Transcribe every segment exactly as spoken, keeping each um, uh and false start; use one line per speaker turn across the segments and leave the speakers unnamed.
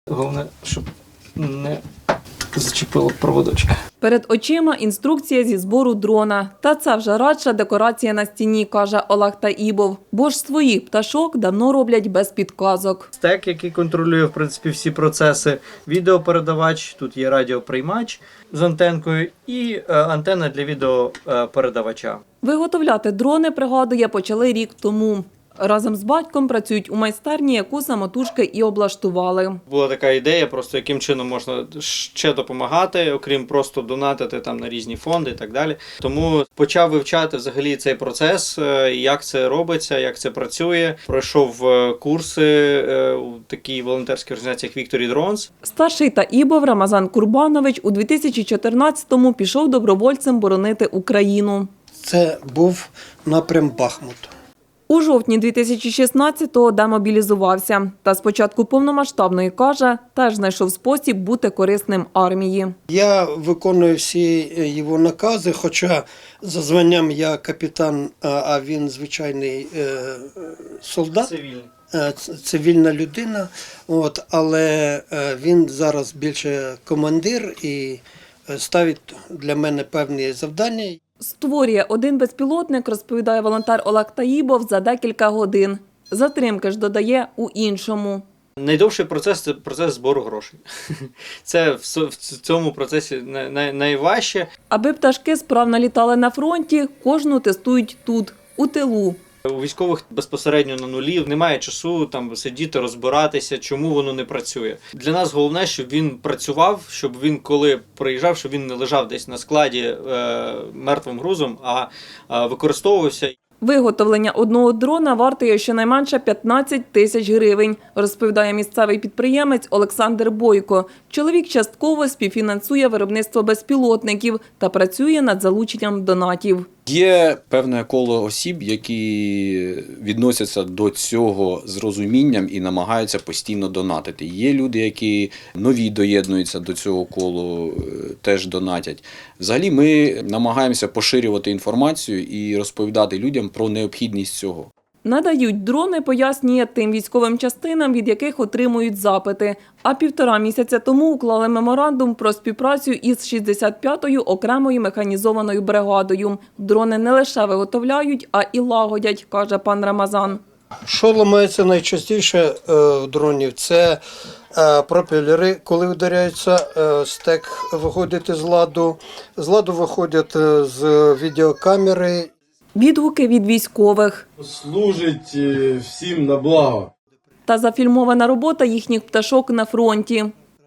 Головне, щоб не зачепило проводочки.
Перед очима інструкція зі збору дрона. Та це вже радша декорація на стіні, каже Олег Таїбов. Бо ж своїх пташок давно роблять без підказок.
Стек, який контролює, в принципі, всі процеси, відеопередавач, тут є радіоприймач з антенкою і е, антенна для відеопередавача.
Виготовляти дрони, пригадує, почали рік тому. Разом з батьком працюють у майстерні, яку самотужки і облаштували.
Була така ідея, просто яким чином можна ще допомагати, окрім просто донатити там на різні фонди і так далі. Тому почав вивчати взагалі цей процес, як це робиться, як це працює. Пройшов курси у такій волонтерській організації, як Victory Drones.
Старший Таїбов Рамазан Курбанович у дві тисячі чотирнадцятому пішов добровольцем боронити Україну.
Це був напрям Бахмут.
У жовтні дві тисячі шістнадцятого демобілізувався. Та з початку повномасштабної, каже, теж знайшов спосіб бути корисним армії.
Я виконую всі його накази, хоча за званням я капітан, а він звичайний солдат.
Цивільний.
Цивільна людина, от, але він зараз більше командир і ставить для мене певні завдання.
Створює один безпілотник, розповідає волонтер Олег Таїбов, за декілька годин. Затримки ж додає у іншому.
Найдовший процес – це процес збору грошей. Це в цьому процесі найважче.
Аби пташки справно літали на фронті, кожну тестують тут, у тилу.
У військових безпосередньо на нулі немає часу там сидіти, розбиратися, чому воно не працює. Для нас головне, щоб він працював, щоб він, коли приїжджав, щоб він не лежав десь на складі е, мертвим грузом, а е, використовувався.
Виготовлення одного дрона вартує щонайменше п'ятнадцять тисяч гривень, розповідає місцевий підприємець Олександр Бойко. Чоловік частково співфінансує виробництво безпілотників та працює над залученням донатів.
Є певне коло осіб, які відносяться до цього з розумінням і намагаються постійно донатити. Є люди, які нові доєднуються до цього колу, теж донатять. Взагалі ми намагаємося поширювати інформацію і розповідати людям про необхідність цього.
Надають дрони, пояснює, тим військовим частинам, від яких отримують запити. А півтора місяця тому уклали меморандум про співпрацю із шістдесят п'ятою окремою механізованою бригадою. Дрони не лише виготовляють, а і лагодять, каже пан Рамазан.
Що ламається найчастіше в дронів? Це пропелери, коли вдаряються, стек виходить з ладу, з ладу виходять з відеокамери.
Відгуки від військових.
Служить всім на благо.
Та зафільмована робота їхніх пташок на фронті.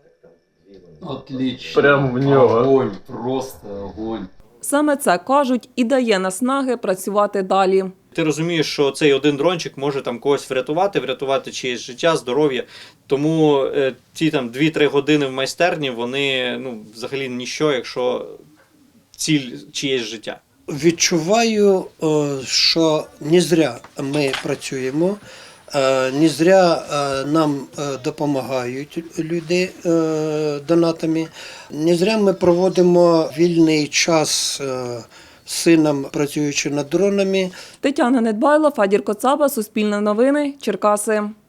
Отлично.
Прямо в нього.
Огонь, просто огонь.
Саме це, кажуть, і дає наснаги працювати далі.
Ти розумієш, що цей один дрончик може там когось врятувати, врятувати чиєсь життя, здоров'я. Тому е, ті там дві-три години в майстерні, вони ну, взагалі ніщо, якщо ціль чиєсь життя.
Відчуваю, що не зря ми працюємо, не зря нам допомагають люди донатами, не зря ми проводимо вільний час з сином, працюючи над дронами.
Тетяна Недбайло, Федір Коцаба, Суспільне новини, Черкаси.